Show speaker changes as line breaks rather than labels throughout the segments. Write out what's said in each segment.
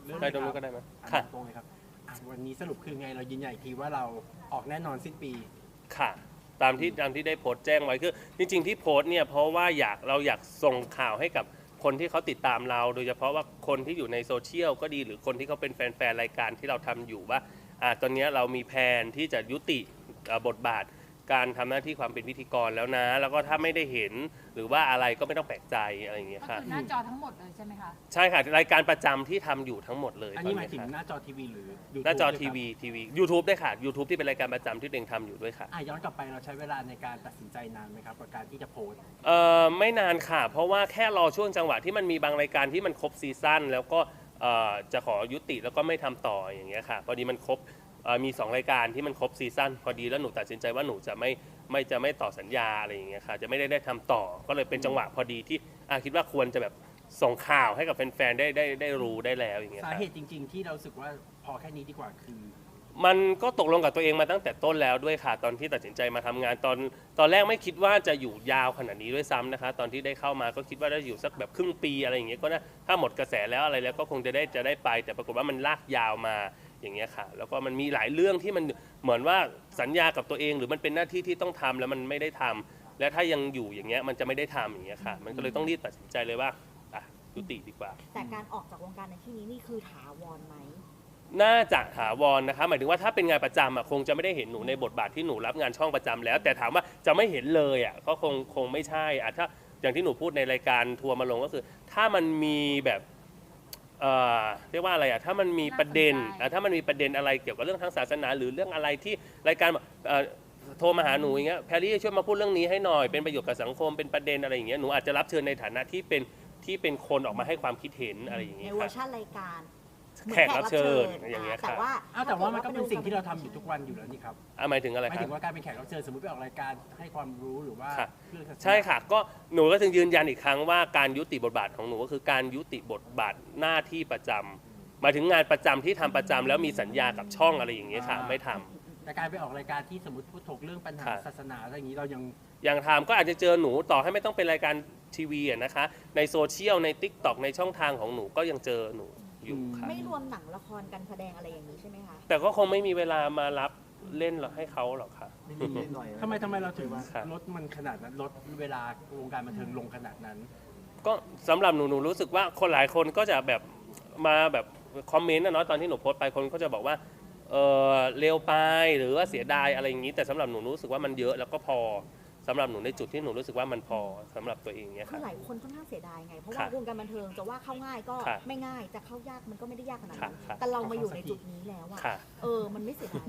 ได้ตรงนู้นก็ได้ไหมค่ะ
ตรงเลยครับวันนี้สรุปคือไงเรายืนยันอีกทีว่าเราออกแน่นอนสิ้นปี
ค่ะตามที่ได้โพสต์แจ้งไว้คือจริงๆที่โพสต์เนี่ยเพราะว่าเราอยากส่งข่าวให้กับคนที่เขาติดตามเรา โดยเฉพาะว่าคนที่อยู่ในโซเชียลก็ดีหรือคนที่เขาเป็นแฟนๆรายการที่เราทำอยู่ว่าตอนนี้เรามีแผนที่จะยุติบทบาทการทำหน้าที่ความเป็นพิธีกรแล้วนะแล้วก็ถ้าไม่ได้เห็นหรือว่าอะไรก็ไม่ต้องแปลกใจอะไรอย่างเงี้ย
ก็
ค่ะ
คือหน้าจอทั้งหมดเลยใช่ไหมคะ
ใช่ค่ะรายการประจำที่ทำอยู่ทั้งหมดเลย
อันนี้หมายถึงหน้าจอทีวีหรือ
หน้าจอทีวีYouTube ได้ค่ะ YouTube ที่เป็นรายการประจำที่ตัวเองทำอยู่ด้วยค่ะ
ย้อนกลับไปเราใช้เวลาในการตัดสินใจนานไหมครับกับการที่จะโพสต์
ไม่นานค่ะเพราะว่าแค่รอช่วงจังหวะที่มันมีบางรายการที่มันครบซีซั่นแล้วก็จะขอยุติแล้วก็ไม่ทำต่ออย่างเงี้ยค่ะพอดีมันครบมี2รายการที่มันครบซีซั่นพอดีแล้วหนูตัดสินใจว่าหนูจะไม่ต่อสัญญาอะไรอย่างเงี้ยค่ะจะไม่ได้ทำต่อก็เลยเป็นจังหวะพอดีที่คิดว่าควรจะแบบส่งข่าวให้กับแฟนๆได้รู้ได้แล้วอย่างเงี้ย
สาเหตุจริงๆที่เราสึกว่าพอแค่นี้ดีกว่าคือ
มันก็ตกลงกับตัวเองมาตั้งแต่ต้นแล้วด้วยค่ะตอนที่ตัดสินใจมาทำงานตอนแรกไม่คิดว่าจะอยู่ยาวขนาดนี้ด้วยซ้ำนะคะตอนที่ได้เข้ามาก็คิดว่าได้อยู่สักแบบครึ่งปีอะไรอย่างเงี้ยก็นะถ้าหมดกระแสแล้วอะไรแล้วก็คงจะได้ไปแต่ปรากฏว่ามันลากยาวมาอย่างเงี้ยค่ะแล้วก็มันมีหลายเรื่องที่มันเหมือนว่าสัญญากับตัวเองหรือมันเป็นหน้าที่ที่ต้องทำแล้วมันไม่ได้ทำและถ้ายังอยู่อย่างเงี้ยมันจะไม่ได้ทำอย่างเงี้ยค่ะมันก็เลยต้องรีบตัดสินใจเลยว่ายุติดีกว่า
แต่การออกจากวงการในที่นี้นี่คือถาวรไหม
น่าจะถาวรนะคะหมายถึงว่าถ้าเป็นงานประจำคงจะไม่ได้เห็นหนูในบทบาทที่หนูรับงานช่องประจำแล้วแต่ถามว่าจะไม่เห็นเลยก็คงไม่ใช่ถ้าอย่างที่หนูพูดในรายการทัวร์มาลงก็คือถ้ามันมีแบบเรียกว่าอะไรถ้ามันมีประเด็นถ้ามันมีประเด็นอะไรเกี่ยวกับเรื่องทางศาสนาหรือเรื่องอะไรที่รายการโทรมาหาหนูอย่างเงี้ยแพรรี่ช่วยมาพูดเรื่องนี้ให้หน่อยเป็นประโยชน์กับสังคมเป็นประเด็นอะไรอย่างเงี้ยหนูอาจจะรับเชิญในฐานะที่เป็นคนออกมาให้ความคิดเห็นอะไรอย่างเงี้ย
ในเวอร์ชันรายการ
แขกรับเชิญอย่างเงี้ยค่ะ
แต่ว่ามันก็เป็นสิ่งที่เราทำอยู่ทุกวันอยู่แล้วนี่ครับ
หมายถึงอะไร
หมายถึงว่าการเป็นแขกรับเชิญสมมติไปออกรายการให้ความรู้หรือว่า
ใช่ค่ะก็หนูก็ถึงยืนยันอีกครั้งว่าการยุติบทบาทของหนูก็คือการยุติบทบาทหน้าที่ประจำหมายถึงงานประจำที่ทำประจำแล้วมีสัญญากับช่องอะไรอย่างเงี้ยค่ะไม่ทำ
แต่การไปออกรายการที่สมมติพูดถกเรื่องปัญหาศาสนาอะไรอย่างนี้เรา
ยังทำก็อาจจะเจอหนูต่อให้ไม่ต้องเป็นรายการทีวีนะคะในโซเชียลใน TikTok ในช่องทางของหนูก็ยังเจอหนูอยู่ค่ะ
ไม่รวมหนังละครการแสดงอะไรอย่างนี้ใช่ไหมคะ
แต่ก็คงไม่มีเวลามารับเล่นให้เขาหรอกค่ะ
ทำไมเราถึงลดมันขนาดนั้นลดเวลาวงการบันเทิงลงขนาดนั้น
ก็สำหรับหนูรู้สึกว่าคนหลายคนก็จะแบบมาแบบคอมเมนต์ตอนที่หนูโพสต์ไปคนก็จะบอกว่าเร็วไปหรือว่าเสียดายอะไรอย่างนี้แต่สำหรับหนูรู้สึกว่ามันเยอะแล้วก็พอสำหรับหนูในจุดที่หนูรู้สึกว่ามันพอสำหรับตัวเองเนี่ย
คือหลายคนค่อนข้างเสียดายไงเพราะว่าวงการบันเทิงจะว่าเข้าง่ายก็ไม่ง่ายจะเข้ายากมันก็ไม่ได้ยากขนาดนั้นแต่เรามาอยู่ในจุดนี้แล้วมันไม่เสียดาย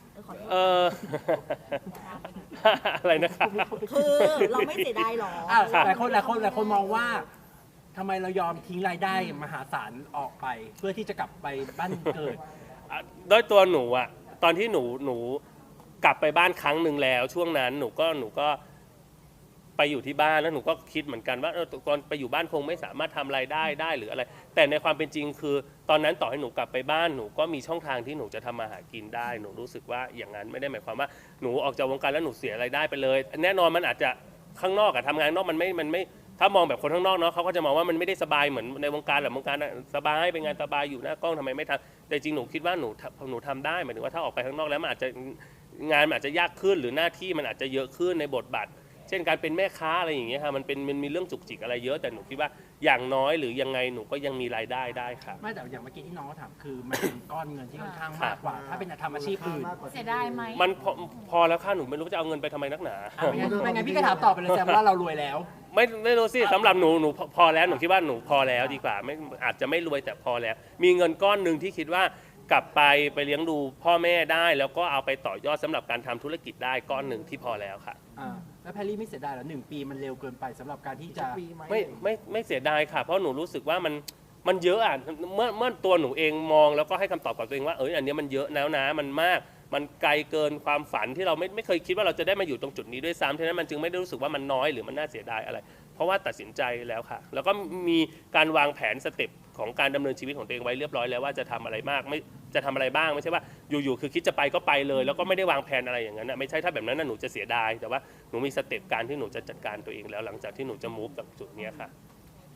อะไรนะคะ
คือเราไม่เสียดายหรอ
หลายคนมองว่าทำไมเรายอมทิ้งรายได้มหาศาลออกไปเพื่อที่จะกลับไปบ้านเกิด
ด้วยตัวหนูตอนที่หนูกลับไปบ้านครั้งหนึ่งแล้วช่วงนั้นหนูก็ไปอยู่ที่บ้านแล้วหนูก็คิดเหมือนกันว่าตอนไปอยู่บ้านคงไม่สามารถทำรายได้หรืออะไรแต่ในความเป็นจริงคือตอนนั้นต่อให้หนูกลับไปบ้านหนูก็มีช่องทางที่หนูจะทำมาหากินได้หนูรู้สึกว่าอย่างนั้นไม่ได้หมายความว่าหนูออกจากวงการแล้วหนูเสียรายได้ไปเลยแน่นอนมันอาจจะข้างนอกทำงานนอกมันไม่ถ้ามองแบบคนข้างนอกเนาะเขาก็จะมองว่ามันไม่ได้สบายเหมือนในวงการหรือวงการสบายเป็นงานสบายอยู่หน้ากล้องทำไมไม่ทำแต่จริงหนูคิดว่าหนูทำได้หมายถึงว่าถ้าออกไปข้างนอกแล้วมันอาจจะงานมันอาจจะยากขึ้นหรือหน้าที่มันอาจจะเยอะขึ้นในบทบาทเช่นการเป็นแม่ค้าอะไรอย่างเงี้ยค่ะมันมีเรื่องจุกจิกอะไรเยอะแต่หนูคิดว่าอย่างน้อยหรือยังไงหนูก็ยังมีรายได้ได้ค่ะ
ไม่แต่อย่างเมื่อกี้ที่น้องถามคือมันเป็นก้อนเงินที่ค่อนข้างมากกว่าถ้าเป็นทำอาชีพอื่น
เสียดายไหม
มันพอแล้วค่ะหนูไม่รู้จะเอาเงินไปทำไมนักหนา
ไม่งั้นพี่ก็ถามตอบไปเลยแซมว่าเรารวยแล้ว
ไม่รู้สิสำหรับหนูพอแล้วหนูคิดว่าหนูพอแล้วดีกว่าไม่อาจจะไม่รวยแต่พอแล้วมีเงินก้อนหนึ่งที่คิดว่ากลับไปเลี้ยงดูพ่อแม่ได้แล้วก็เอาไปต่อยอดสำหรับการทำธุรกิจได้ก้อนหนึ่งที่พอแล้วค่ะ
แล้วแพรรี่ไม่เสียดายหรอ1 ปีมันเร็วเกินไปสำหรับการที่จะ
ไม่เสียดายค่ะเพราะหนูรู้สึกว่ามันเยอะเมื่อตัวหนูเองมองแล้วก็ให้คำตอบกับตัวเองว่าอันนี้มันเยอะแล้วนะมันมากมันไกลเกินความฝันที่เราไม่เคยคิดว่าเราจะได้มาอยู่ตรงจุดนี้ด้วยซ้ำฉะนั้นมันจึงไม่ได้รู้สึกว่ามันน้อยหรือมันน่าเสียดายอะไรเพราะว่าตัดสินใจแล้วค่ะแล้วก็มีการวางแผนสเต็ปของการดำเนินชีวิตของตัวเองไว้เรียบร้อยแล้วว่าจะทำอะไรมากไม่จะทำอะไรบ้างไม่ใช่ว่าอยู่ๆคือคิดจะไปก็ไปเลยแล้วก็ไม่ได้วางแผนอะไรอย่างนั้นไม่ใช่ถ้าแบบนั้นหนูจะเสียดายแต่ว่าหนูมีสเต็ปการที่หนูจะจัดการตัวเองแล้วหลังจากที่หนูจะมูฟจากจุดนี้ค่ะ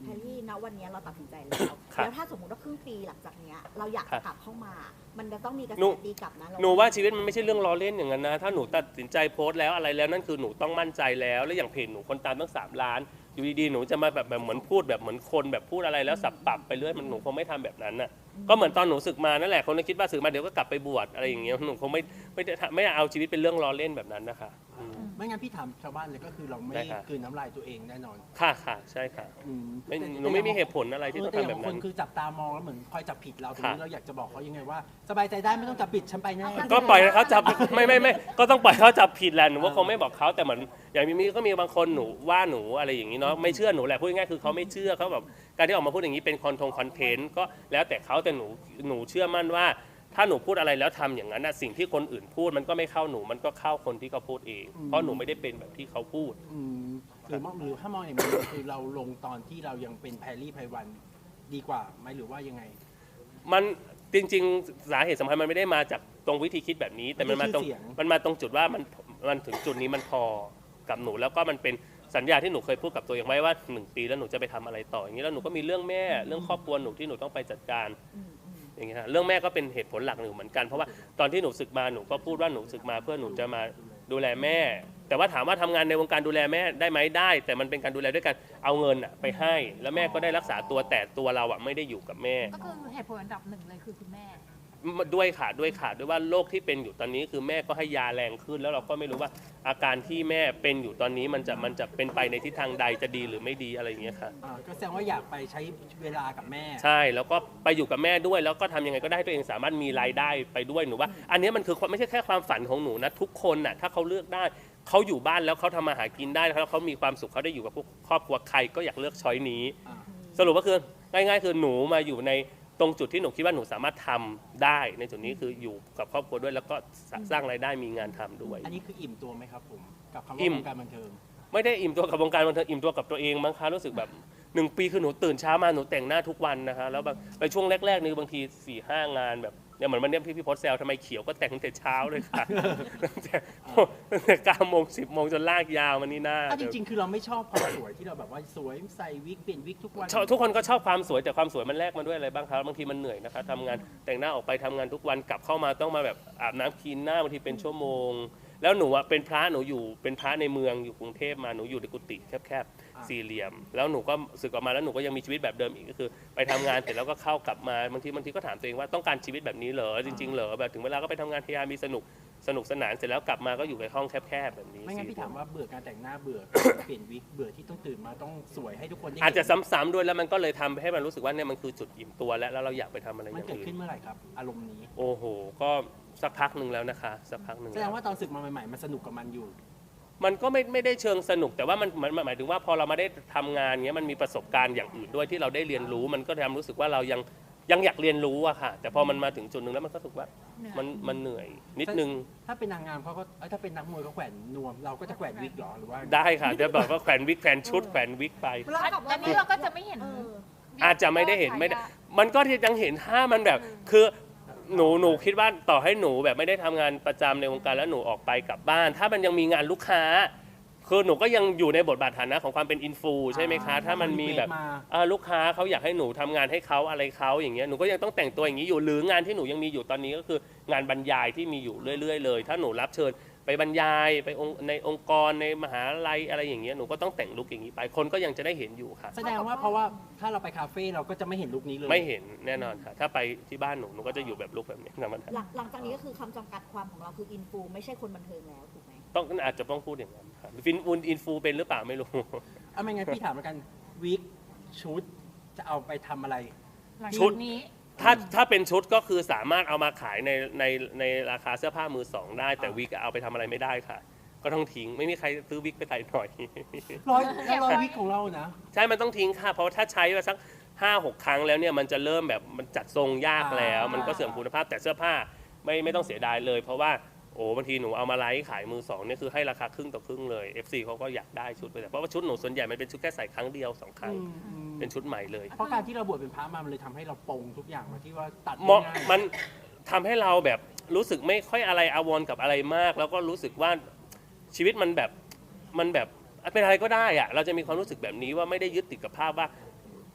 แพรรี่ณวันนี้เราตัดสินใจแล้ว
ครับ
แล้วถ้าสมมติว่าครึ่งปีหลังจากเนี้ยเราอยาก
ครั
จะ
บ
กลับเข้ามา มันจะต้องมีกระแส
หนู
ตีกลับนะเร
หนูว่าชีวิตมันไม่ใช่เรื่องล้อเล่นอย่างนั้นนะถ้าหนูตัดสินใจโพสต์แล้วอะไรแล้วนั่นคือหนูต้องมั่นใจแล้วและอย่างเพจหนูคนตามตั้ง3 ล้านอยู่ดีๆหนูจะมาแบบเหมือนพูดแบบเหมือนคนแบบพูดอะไรแล้วสับปรับไปเรื่อยมันหนูคงไม่ทำแบบนั้นน่ะก็เหมือนตอนหนูศึกมานั่นแหละคนก็คิดว่าศึกมาเดี๋ยวก็กลับไปบวชอะไรอย่างเงี้ยหนูคงไม่เอาชีวิตเป็นเรื่องล้อเล่นแบบนั้นนะคะอืม
ไม่งั้นพี่ถามชาวบ้านเลยก็คือเราไม่
ได้ครับ
กลืนน้ำลายตัวเองแน่นอน
ค่ะใช่ค่ะ
อืม
หนูไม่มีเหตุผลอะไรที่ต้อง
แต่
ทำแบบ
ค
นั้น น
คือจับตามองแล้วเหมือนคอยจับผิดเราตรงนี้
ค่ะ
เราอยากจะบอกเขายังไงว่า สบายใจได้ไม่ต้องจับผิดฉันไปแน่
ก็ปล่อยให้เขาจับ ไม่ก็ต้องปล่อยเขาจับผิดแหละหนูว่าคงไม่บอกเขาแต่เหมือนอย่างมีก็มีบางคนหนูว่าหนูอะไรอย่างนี้เนาะไม่เชื่อหนูแหละพูดง่ายๆคือเขาไม่เชื่อเขาแบบการที่ออกมาพูดอย่างนี้เป็นคอนเทนต์ก็แล้วแต่เขาแต่หนูเชื่อมั่นว่า ถ้าหนูพูดอะไรแล้วทำอย่างนั้นนะสิ่งที่คนอื่นพูดมันก็ไม่เข้าหนูมันก็เข้าคนที่เขาพูดเอง เพราะหนูไม่ได้เป็นแบบที่เขาพูด
อืมหรือถ้ามองอย่างนี้คือเราลงตอนที่เรายังเป็นแพรรี่ไพวันดีกว่าไหมหรือว่ายังไง
มันจริงๆสาเหตุสำคัญมันไม่ได้มาจากตรงวิธีคิดแบบนี้ แต่มันมาตรง
ชื่อเสียง
มันมาตรงจุดว่ามันถึงจุดนี้มันพอกับหนูแล้วก็มันเป็นสัญญาที่หนูเคยพูดกับตัวเองไว้ว่า1 ปีแล้วหนูจะไปทำอะไรต่ออย่างนี้แล้วหนูก็มีเรื่องแม่เรื่องครอบครัวหนูที่หนูต้องไปจัดการอย่างเงี้ยฮะเรื่องแม่ก็เป็นเหตุผลหลักหนึ่งเหมือนกันเพราะว่าตอนที่หนูศึกมาหนูก็พูดว่าหนูศึกมาเพื่อหนูจะมาดูแลแม่ แต่ว่าถามว่าทำงานในวงการดูแลแม่ได้ไหมได้ แต่มันเป็นการดูแลด้วยการเอาเงินอะไปให้ แล้วแม่ก็ได้รักษาตัวแต่ตัวเราอะไม่ได้อยู่กับแม่
ก็คือเหตุผลอันดับ1เลยคือคุณแม่
ด้วยว่าโรคที่เป็นอยู่ตอนนี้คือแม่ก็ให้ยาแรงขึ้น แล้วเราก็ไม่รู้ว่าอาการที่แม่เป็นอยู่ตอนนี้มันจะเป็นไปในทิศทางใดจะดีหรือไม่ดีอะไรอย่างเงี้ยค่ะ
ก็แสดงว่าอยากไปใช้เวลากับแม่
ใช่แล้วก็ไปอยู่กับแม่ด้วยแล้วก็ทำยังไงก็ได้ให้ตัวเองสามารถมีรายได้ไปด้วยหนูว่า อันนี้มันคือไม่ใช่แค่ความฝันของหนูนะทุกคนน่ะถ้าเขาเลือกได้เขาอยู่บ้านแล้วเขาทำมาหากินได้แล้วเขามีความสุขเขาได้อยู่กับครอบครัวใครก็อยากเลือกช้อยนี้ สรุปก็คือง่ายๆคือหนูมาอยู่ในตรงจุดที่หนูคิดว่าหนูสามารถทำได้ในจุดนี้คืออยู่กับครอบครัวด้วยแล้วก็สร้างรายได้มีงานทำด้วย
อันนี้คืออิ่มตัวไหมครับผมกับคำ
อิ่
ว่าม วงการบันเทิง
ไม่ได้อิ่มตัวกับวงการบันเทิงอิ่มตัวกับตัวเองมั้งคะรู้สึกแบบ1 ปีคือหนูตื่นเช้ามาหนูแต่งหน้าทุกวันนะคะแล้วแบบในช่วงแรกๆนี่บางที4-5 งานแบบเนี่ยเหมือนวันนี้พี่พศแซวทำไมเขียวก็แต่งตั้งแต่เช้าเลยค่ะ ตั้งแต่9 โมง 10 โมงจนลากยาวมานี่หน้า
จริงๆ คือเราไม่ชอบความสวยที่เราแบบว่าสวยใส่วิกเปลี่ยนวิกทุกวัน
ทุกคนก็ชอบความสวยแต่ความสวยมันแลกมาด้วยอะไรบ้างครับบางทีมันเหนื่อยนะคะทำงานแต่งหน้าออกไปทำงานทุกวันกลับเข้ามาต้องมาแบบอาบน้ำคลีนหน้าบางทีเป็นชั่วโมง แล้วหนูอะเป็นพระหนูอยู่เป็นพระในเมืองอยู่กรุงเทพมาหนูอยู่ในกุฏิแคบๆสี่เหลี่ยม แล้วหนูก็สึกออกมาแล้วหนูก็ยังมีชีวิตแบบเดิมอีกก็คือ ไปทำงานเสร็จแล้วก็เข้ากลับมาบางทีก็ถามตัวเองว่าต้องการชีวิตแบบนี้เหรอจริงๆเหรอแบบถึงเวลาก็ไปทำงานพยายามมีสนุกสนานเสร็จแล้วกลับมาก็อยู่ในห้องแคบๆแบบนี้
ไม่งั้นพี่ถามว่าเบื่อการแต่งหน้าเบื่อ เปลี่ยนวิกเบื่อที่ต้องตื่นมาต้องสวยให้ทุกคนได้เห็น
อาจจะซ้ำๆด้วยแล้วมันก็เลยทำให้มันรู้สึกว่าเนี่ยมันคือจุดอิ่มตัวแล้วเราอยากไปทำอะไรอ
มัน
ย่าง
เกิด
อื่
ขึ้น
น
เมื่อไหร่ครับ อารมณ์นี้
โอ้โหก็สักพักหนึ่งแล้วนะคะสักพักหนึ่ง
แสดงว่าตอนศึกมาใหม่ๆมันสนุกกับมันอยู่
มันก็ไม่ได้เชิงสนุกแต่ว่ามันหมายถึงว่าพอเรามาได้ทำงานเงี้ยมันมีประสบการณ์อย่างอื่นด้วยที่เราได้เรียนรู้มันก็ทำรู้สึกว่าเรายังอยากเรียนรู้อะค่ะ แต่พอมันมาถึงจุดหนึ่งแล้วมันก็รู้สึกว่ามันเหนื่อยนิดนึง
ถ้าเป็นนางงามเขาก็ถ้าเป็นนักมวยเขาแขวนนวม เราก็จะแขวนวิกเหรอหรือว่า
ได้ค่ะเดี๋ยวบอกว่าแขวนวิกแขวนชุดแขวนวิกไป
อันนี้เราก็จะไม่เห็น
อาจจะไม่ได้เห็นไม่ได้มันก็ยังเห็นถ้ามันแบบคือหนูคิดว่าต่อให้หนูแบบไม่ได้ทำงานประจำในวงการแล้วหนูออกไปกลับบ้าน ถ้ามันยังมีงานลูกค้าคือหนูก็ยังอยู่ในบทบาทฐานะของความเป็นอินฟูใช่ไหมคะถ้ามันมีแบบลูกค้าเขาอยากให้หนูทำงานให้เขาอะไรเขาอย่างเงี้ยหนูก็ยังต้องแต่งตัวอย่างนี้อยู่หรืองานที่หนูยังมีอยู่ตอนนี้ก็คืองานบรรยายที่มีอยู่เรื่อยๆเลยถ้าหนูรับเชิญไปบรรยายไปในองค์กรในมหาลัยอะไรอย่างเงี้ยหนูก็ต้องแต่งลุคอย่างนี้ไปคนก็ยังจะได้เห็นอยู่ค่ะ
แสดงว่าเพราะว่าถ้าเราไปคาเฟ่เราก็จะไม่เห็นลุคนี้เลย
ไม่เห็นแน่นอนค่ะถ้าไปที่บ้านหนูก็จะอยู่แบบลุคแบบนี้ธรรมดา
หลังจากนี้ก็คือคำจำกัดความของเราคืออินฟูไม่ใช่คนบันเทิงแล้วถูกไหม
อาจจะต้องพูดอย่างนั้นค่ะอินฟูเป็นหรือเปล่าไม่รู้
เอาไม่งั้นพี่ถามแล้วกันวิกชุดจะเอาไปทำอะไร
หลัง
ชุ
จา
ด
กนี้
ถ้าเป็นชุดก็คือสามารถเอามาขายในราคาเสื้อผ้ามือสองได้แต่วิกเอาไปทำอะไรไม่ได้ค่ะ ก็ต้องทิ้งไม่มีใครซื้อวิกไปใส่หน่อย
ร้อยวิกของเรานะ
ใช่มันต้องทิ้งค่ะเพราะว่าถ้าใช้มาสัก5-6 ครั้งแล้วเนี่ยมันจะเริ่มแบบมันจัดทรงยากแล้ว มันก็เสื่อมคุณภาพแต่เสื้อผ้าไม่ต้องเสียดายเลย เพราะว่าโอ้บางทีหนูเอามาไลฟ์ขายมือสองเนี่ยคือให้ราคาครึ่งต่อครึ่งเลย FC เขาก็อยากได้ชุดไปแต่เพราะว่าชุดหนูส่วนใหญ่มันเป็นชุดแค่ใส่ครั้งเดียว2 ครั้งเป็นชุดใหม่เลย
เพราะการที่เราบวชเป็นพระมามันเลยทำให้เราปลงทุกอย่างมาที่ว่าตัด
เหมาะ
ง่าย
มันทำให้เราแบบรู้สึกไม่ค่อยอะไรอาวรณ์กับอะไรมาก แล้วก็รู้สึกว่าชีวิตมันแบบเป็นอะไรก็ได้อะเราจะมีความรู้สึกแบบนี้ว่าไม่ได้ยึดติดกับภาพว่า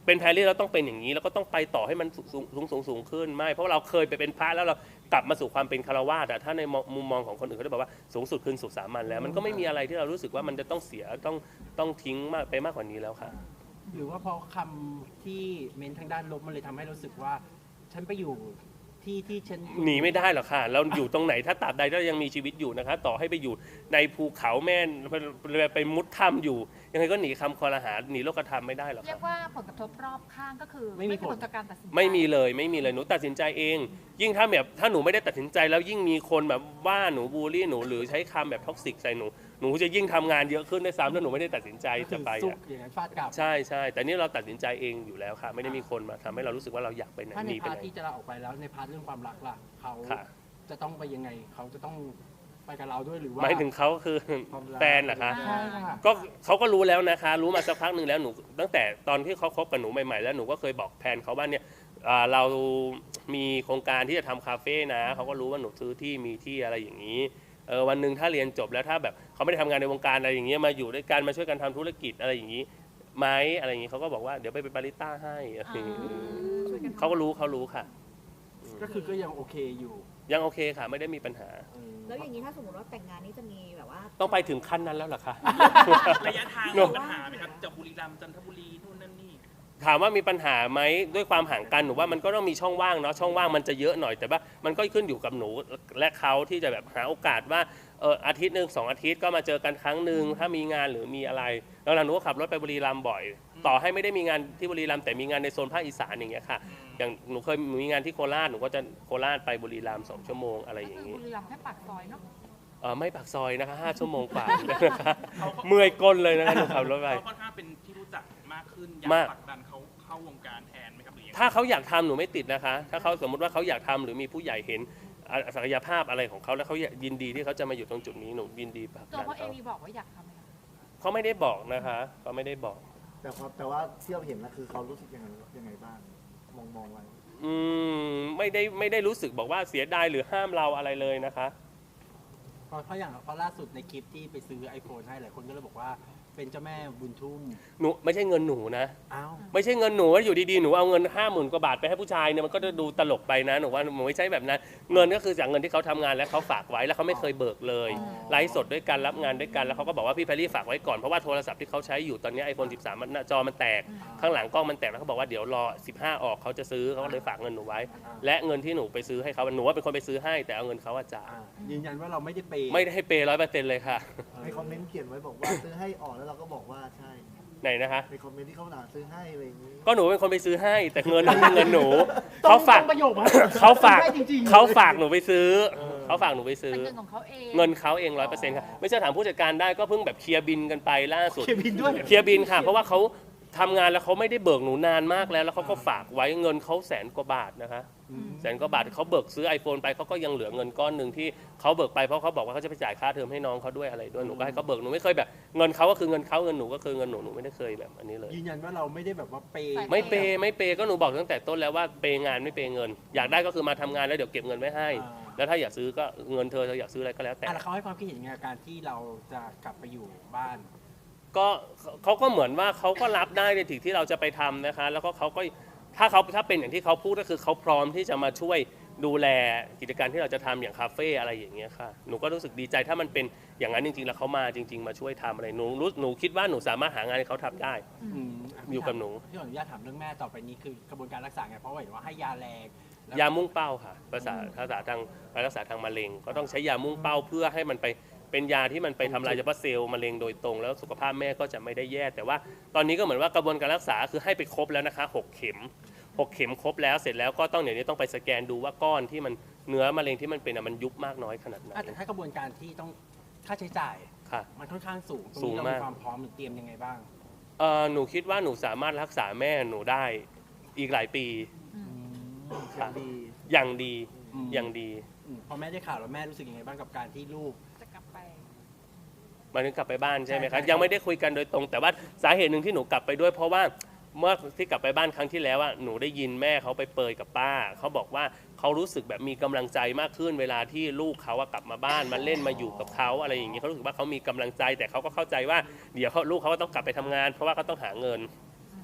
เป็นแพรรี่เราต้องเป็นอย่างนี้แล้วก็ต้องไปต่อให้มันสูงขึ้นไม่เพราะเราเคยไปเป็นพระแล้วเรากลับมาสู่ความเป็นคฤหัสถ์ถ้าในมุมมองของคนอื่นเขาจะบอกว่าสูงสุดคือสุดสามัญแล้วมันก็ไม่มีอะไรที่เรารู้สึกว่ามันจะต้องเสียต้องทิ้งมากไปมากกว่านี้แล้วค่ะ
หรือว่าเพราะคำที่เม้นทางด้านลบมันเลยทำให้รู้สึกว่าฉันไปอยู่ที่ฉัน
หนีไม่ได้หรอกค่ะเราอยู่ตรงไหนถ้าตราบใดเรายังมีชีวิตอยู่นะคะต่อให้ไปอยู่ในภูเขาแม่นไปมุดถ้ำอยู่ยังไงก็หนีคำคอรหาหนีโลกธรรมไม่ได้หรอก
เรีย
ค่ะ
กว่าผลกระทบรอบข้างก็คือ
ไม่มีผล
ต่อการตัดสินใจ
ไม่มีเลยหนูตัดสินใจเอง ยิ่งถ้าหนูไม่ได้ตัดสินใจแล้วยิ่งมีคนแบบว่าหนูบูลลี่หนูหรือใช้คำแบบท็อกซิกใส่หนูจะยิ่งทำงานเยอะขึ้นด้วยซ้ำถ้าหนูไม่ได้ตัดสินใจจะไป
ซุก
อะ
อย่างนั้นฟาดกลับ
ใช่แต่นี่เราตัดสินใจเองอยู่แล้วค่ะไม่ได้มีคนมาทำให้เรารู้สึกว่าเราอยากไปไหน
ถ้าใน
หนีไป
พาร์
ไห
ท
น
ที่จะลาออกไปแล้วในพาร์ทเรื่องความรักล่ะเขา
ค่ะ
จะต้องไปยังไงเขาจะต้องไปกับเราด้วยหรือว่า
หมายถึงเขาคือ
ความรัก
แฟนเหรอคะ
ใช่ค่ะ
ก็เขาก็รู้แล้วนะคะ รู้มาสักพักหนึ่งแล้วหนูตั้งแต่ตอนที่เขาคบกับหนูใหม่ๆแล้วหนูก็เคยบอกแฟนเขาว่าเนี่ยเรามีโครงการที่จะทำคาเฟ่นะเขาก็รู้ว่าหนูซื้อที่มีที่อะไรอย่างนี้วันหนึ่งถ้าเรียนจบแล้วถ้าแบบเขาไม่ได้ทำงานในวงการอะไรอย่างเงี้ยมาอยู่ด้วยกันมาช่วยกันทำธุรกิจอะไรอย่างนี้ไหมอะไรอย่างนี้เขาก็บอกว่าเดี๋ยวไปเป็นบาริสต้าให้อะไรอย่างงี้เขาก็รู้ค่ะ
ก็คือก็ยังโอเคอยู่
ยังโอเคค่ะไม่ได้มีปัญหา
แล้วอย่างนี้ถ้าสมมติว่าแต่งงานนี่จะมีแบบว่า
ต้องไปถึงขั้นนั้นแล้วเหรอคะ
ระยะทาง
หนู
มีปัญหาไหมครับจากบุรีรัมย์จันทบุรีนู่นนั่นนี่
ถามว่ามีปัญหาไหมด้วยความห่างกันหนูว่ามันก็ต้องมีช่องว่างเนาะช่องว่างมันจะเยอะหน่อยแต่ว่ามันก็ขึ้นอยู่กับหนูและเขาที่จะแบบหาโอกาสว่าอาทิตย์หนึ่ง2 อาทิตย์ก็มาเจอกันครั้งหนึ่งถ้ามีงานหรือมีอะไรแล้วหนูก็ขับรถไปบุรีรัมย์บ่อย ต่อให้ไม่ได้มีงานที่บุรีรัมย์แต่มีงานในโซนภาคอีสานอย่างเงี้ยค่ะอย่างหนูเคยมีงานที่โคราชหนูก็จะโคราชไปบุรีรัมย์2 ชั่วโมงอะไรอย่าง
นี้
งี้
บุรีรัมย์แค่ปากซอยเนาะ
ไม่ปากซอยนะคะ5 ชั่วโมงกว่านะคะเมื่อยก้นเลยนะคะหนูขับรถไป
เขาค่อนข้างเป็นที่รู้จักมากขึ้นอยาก
มาก
ผลักดันเขาเข้าวงการแทนไหมครับหรือยังไง
ถ้าเขาอยากทำหนูไม่ติดนะคะ ถ้าเขาสมมติว่าเขาอยากทำหรือมีผู้ใหญ่เห็นศักยภาพอะไรของเขาแล้วเขายินดีที่เขาจะมาอยู่ตรงจุดนี้หนูยินดีผลัก
ตัว
ดัน
เขาเอง
เขา
มีบอกว่าอยากทำไหมคะ
เขาไม่ได้บอกนะคะเขาไม่ได้บอก
แต่ว่าที่เราเห็นนะคือเขารู้สึกยังไงบ้างมองไว้
ไม่ได้รู้สึกบอกว่าเสียดายหรือห้ามเราอะไรเลยนะคะ
เพราะอย่างเพราะล่าสุดในคลิปที่ไปซื้อ iPhone ให้หลายคนก็เลยบอกว่าเป็นเจ้าแม่บุญทุ่ม
หนูไม่ใช่เงินหนูนะ
อ้าว
ไม่ใช่เงินหนูว่าอยู่ดีๆหนูเอาเงิน50,000 กว่าบาทไปให้ผู้ชายเนี่ยมันก็จะดูตลกไปนะหนูว่าหนูไม่ใช่แบบนั้นเงินก็คือจากเงินที่เขาทำงานแล้วเขาฝากไว้แล้วเขาไม่เคยเบิกเลยไลฟ์สดด้วยกันรับงานด้วยกันแล้วเขาก็บอกว่าพี่แพรรี่ฝากไว้ก่อนเพราะว่าโทรศัพท์ที่เขาใช้อยู่ตอนนี้ iPhone 13มันหน้าจอมันแตกข้างหลังกล้องมันแตกแล้วเขาบอกว่าเดี๋ยวรอ15ออกเขาจะซื้อเขาก็เลยฝากเงินหนูไว้ และเงินที่หนูไปซื้อให้เขาหนูว่าเป็นคนไปซื้อให้แต่เอาเงินเขาอะจ่าย
ยืนยันว่าเราไม่ได้เปย์
ไม่ได้ให้เปย์100%เลยค่ะ
ในคอมเมนต์เขียนไว้บอกว่าซื้อให้ออกแล้วเราก็บอกว่าใช่
ไหนนะคะ
ในคอมเมนต์ที่เขาด่าซื้อให้อะไรอย่างนี้
ก็หนูเป็นคนไปซื้อให้แต่เงินนั้นเป็นเงินหนูเขาฝาก
ต้องประโยคมา
เขาฝาก
ได้จริงๆ
เขาฝากหนูไปซื้อเขาฝากหนูไปซื้อ
เป็นเงินของเขาเอง
เงินเขาเอง100%ค่ะไม่ใช่ถามผู้จัดการได้ก็เพิ่งแบบเคลียร์บินกันไปล่าสุด
เคบินด้วย
เคลียร์บินค่ะ เพราะว่าเขาทำงานแล้วเขาไม่ได้เบิกหนูนานมากแล้วเขาก็ฝากไว้เงินเขา100,000 กว่าบาทนะคะ100,000 กว่าบาทเขาเบิกซื้อ iPhone ไปเขาก็ยังเหลือเงินก้อนหนึ่งที่เขาเบิกไปเพราะเขาบอกว่าเขาจะไปจ่ายค่าเทอมให้น้องเขาด้วยอะไรด้วยหนูก็ให้เขาเบิกหนูไม่เคยแบบเงินเขาก็คือเงินเขาเงินหนูก็คือเงินหนูหนูไม่ได้เคยแบบอันนี้เลย
ยืนยันว่าเราไม่ได้แบบว่าเปย์
ไม่เปย์ก็หนูบอกตั้งแต่ต้นแล้วว่าเปย์งานไม่เปย์เงิน อยากได้ก็คือมาทำงานแล้วเดี๋ยวเก็บเงินไว้ให้ แล้วถ้าอยากซื้อก็เงินเธออยากซื้ออะไรก็แล้วแต่
แล้วเขาให้ความคิดเห็นยังไงกับการที่เราจะกลับไปอยู่บ้าน
ก็เขาก็เหมือนว่าเขาก็รับได้ในสิ่งที่เราจะไปทำนะคะ แล้วก็เขาก็ถ้าเป็นอย่างที่เขาพูดก็คือเขาพร้อมที่จะมาช่วยดูแลกิจการที่เราจะทำอย่างคาเฟ่อะไรอย่างเงี้ยค่ะหนูก็รู้สึกดีใจถ้ามันเป็นอย่างนั้นจริงๆแล้วเขามาจริง ๆ มาช่วยทำอะไรหนูคิดว่าหนูสามารถหางานให้เขาทำได้ อยู่กับหนู
พี่ขออนุญาตถามเรื่องแม่ต่อไปนี้คือกระบวนการรักษาไงเพราะว่าเห็นว่าให้ยาแรงแล้ว
ยามุ่งเป้าค่ะภาษาทางการรักษาทางมะเร็ง ก็ต้องใช้ยามุ่งเป้าเพื่อให้มันไปเป็นยาที่มันไปทำลายเฉพาะเซลล์มะเร็งโดยตรงแล้วสุขภาพแม่ก็จะไม่ได้แย่แต่ว่าตอนนี้ก็เหมือนว่ากระบวนการรักษาคือให้ไปครบแล้วนะคะ6 เข็มครบแล้วเสร็จแล้วก็ต้องเดี๋ยวนี้ต้องไปสแกนดูว่าก้อนที่มันเนื้อมะเร็งที่มันเป็นมันยุบมากน้อยขนาดไหน
แต่ถ้ากระบวนการที่ต้องค่าใช้จ่าย
ค่ะ
มันค่อนข้างสูงตรง
สู
นี้
ง
เรา
มาก
มีความพร้อมหรือเตรียมยังไงบ้าง
หนูคิดว่าหนูสามารถรักษาแม่หนูได้อีกหลายปี
อย่างดี
อย่างดี
อืม
อย่างดี
พอแม่ได้ข่าวแล้วแม่รู้สึกยังไงบ้างกับการที่ลูก
จะกลับไป
หมันถึงกลับไปบ้านใช่ไหม
ใช่
คะ
ใช่
ยังไม่ได้คุยกันโดยตรง แต่ว่าสาเหตุหนึ่งที่หนูกลับไปด้วยเพราะว่าเมื่อที่กลับไปบ้านครั้งที่แล้วหนูได้ยินแม่เขาไปเปรยกับป้าเขาบอกว่าเขารู้สึกแบบมีกำลังใจมากขึ้นเวลาที่ลูกเขากลับมาบ้านมาเล่นมาอยู่กับเขาอะไรอย่างนี้เขารู้สึกว่าเขามีกำลังใจแต่เขาก็เข้าใจว่าเดี๋ยวลูกเขาก็ต้องกลับไปทำงาน เพราะว่าเขาต้องหาเงิน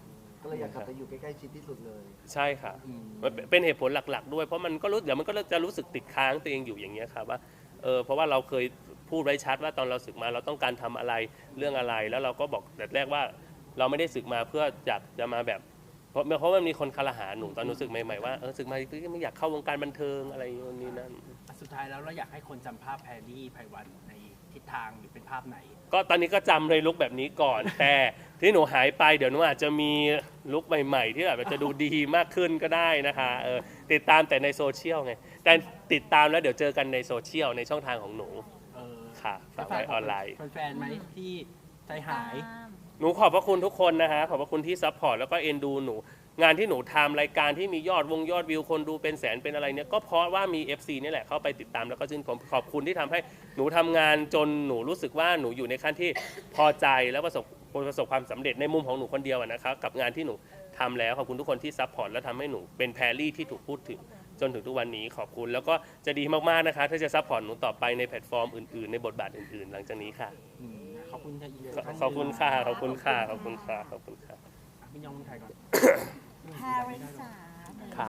ก็เลยอยากกลับไปอยู่ใกล้ๆชิดที่สุดเลย
ใช่ค่ะมันเป็นเหตุผลหลักๆด้วยเพราะมันก็เดี๋ยวมันก็จะรู้สึกติดค้างตัวเองอยู่อย่างเงี้ยครับว่าเพราะว่าเราเคยพูดไว้ชัดว่าตอนเราศึกมาเราต้องการทำอะไรเรื่องอะไรแล้วเราก็บอกแต่แรกว่าเราไม่ได้ศึกมาเพื่ออยากจะมาแบบเพราะมันมีคนคารหาหนูตอนหนูศึกใหม่ๆว่าศึกมาไม่อยากเข้าวงการบันเทิงอะไรอย่างนี้นั่น
สุดท้ายแล้วเราอยากให้คนจำภาพแพรรี่ไพวันในทิศทางหรือเป็นภาพไหน
ก็ตอนนี้ก็จำเลยลุคแบบนี้ก่อน แต่ที่หนูหายไปเดี๋ยวหนูอาจจะมีลุคใหม่ๆ ที่แบบจะดูดีมากขึ้นก็ได้นะคะติดตามแต่ในโซเชียลไงแต่ติดตามแล้วเดี๋ยวเจอกันในโซเชียลในช่องทางของหนูค่ะฝากไว้ออนไลน์
แฟนๆไหมที่ใจหาย
หนูขอบพระคุณทุกคนนะคะขอบพระคุณที่ซัพพอร์ตแล้วก็เอ็นดูหนูงานที่หนูทำรายการที่มียอดวิวคนดูเป็นแสนเป็นอะไรเนี่ยก็เพราะว่ามี FC นี่แหละเข้าไปติดตามแล้วก็ชื่นชมขอบคุณที่ทำให้หนูทำงานจนหนูรู้สึกว่าหนูอยู่ในขั้นที่พอใจแล้วประสบความสำเร็จในมุมของหนูคนเดียวนะครับกับงานที่หนูทำแล้วขอบคุณทุกคนที่ซัพพอร์ตและทำให้หนูเป็นแพรรี่ที่ถูกพูดถึงจนถึงทุกวันนี้ขอบคุณแล้วก็จะดีมากๆนะคะถ้าจะซัพพอร์ตหนูต่อไปในแพลตฟอร์มอื่นๆในบทบาทอื่นๆ หลังจากนี้ค่ะ
ขอบคุณค่ะอีเล
ขอบคุณค่ะขอบคุณค่ะขอบคุณค่ะขอบคุณค่ะ
พี่ยองถ่ายก่อน
แพรริสา